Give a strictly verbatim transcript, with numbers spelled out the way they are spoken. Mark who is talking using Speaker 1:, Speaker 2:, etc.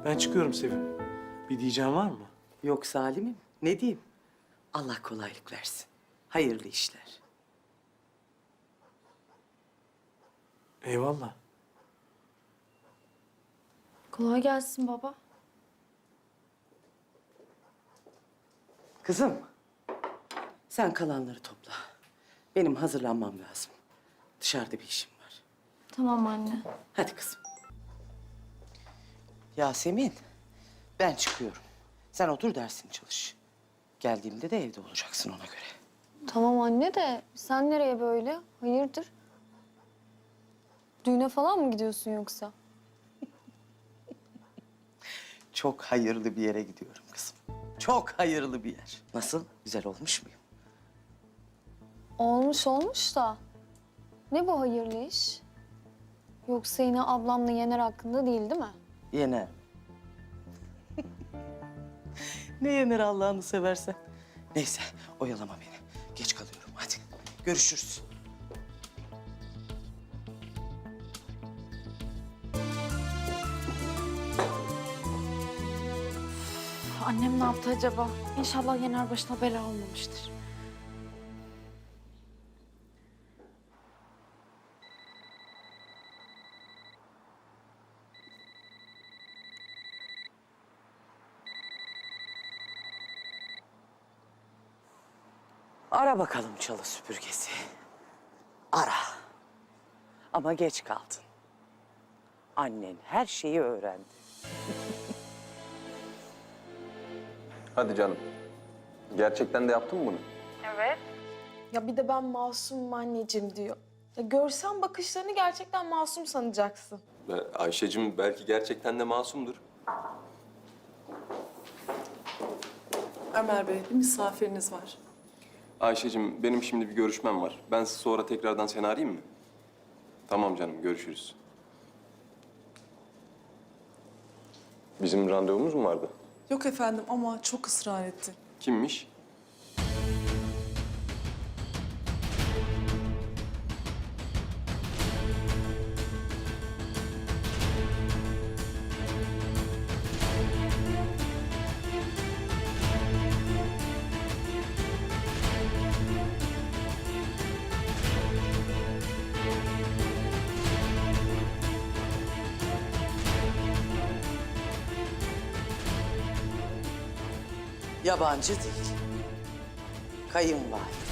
Speaker 1: Ben çıkıyorum Sevim. Bir diyeceğin var mı?
Speaker 2: Yok Salim'im. Ne diyeyim? Allah kolaylık versin. Hayırlı işler.
Speaker 1: Eyvallah.
Speaker 3: Kolay gelsin baba.
Speaker 2: Kızım, sen kalanları topla. Benim hazırlanmam lazım. Dışarıda bir işim var.
Speaker 3: Tamam anne.
Speaker 2: Hadi kızım. Yasemin, ben çıkıyorum. Sen otur dersini çalış. Geldiğimde de evde olacaksın ona göre.
Speaker 3: Tamam anne de sen nereye böyle? Hayırdır? Düğüne falan mı gidiyorsun yoksa?
Speaker 2: Çok hayırlı bir yere gidiyorum kızım. Çok hayırlı bir yer. Nasıl? Güzel olmuş muyum?
Speaker 3: Olmuş olmuş da. Ne bu hayırlı iş? Yoksa yine ablamla Yener hakkında değil değil mi?
Speaker 2: Yener. Ne yener Allah'ını seversen. Neyse, oyalama beni. Geç kalıyorum. Hadi, görüşürüz.
Speaker 4: Annem ne yaptı acaba? İnşallah Yener başına bela olmamıştır.
Speaker 2: Ara bakalım çalı süpürgesi. Ara. Ama geç kaldın. Annen her şeyi öğrendi.
Speaker 5: Hadi canım. Gerçekten de yaptın mı bunu?
Speaker 6: Ya bir de ben masumum anneciğim diyor. Ya görsen bakışlarını gerçekten masum sanacaksın.
Speaker 5: Ayşe'cim belki gerçekten de masumdur.
Speaker 7: Ömer Bey, bir misafiriniz var.
Speaker 5: Ayşe'cim benim şimdi bir görüşmem var. Ben sonra tekrardan seni arayayım mı? Tamam canım, görüşürüz. Bizim randevumuz mu vardı?
Speaker 7: Yok efendim ama çok ısrar etti.
Speaker 5: Kimmiş?
Speaker 2: Yabancı değil. Kayınvalide.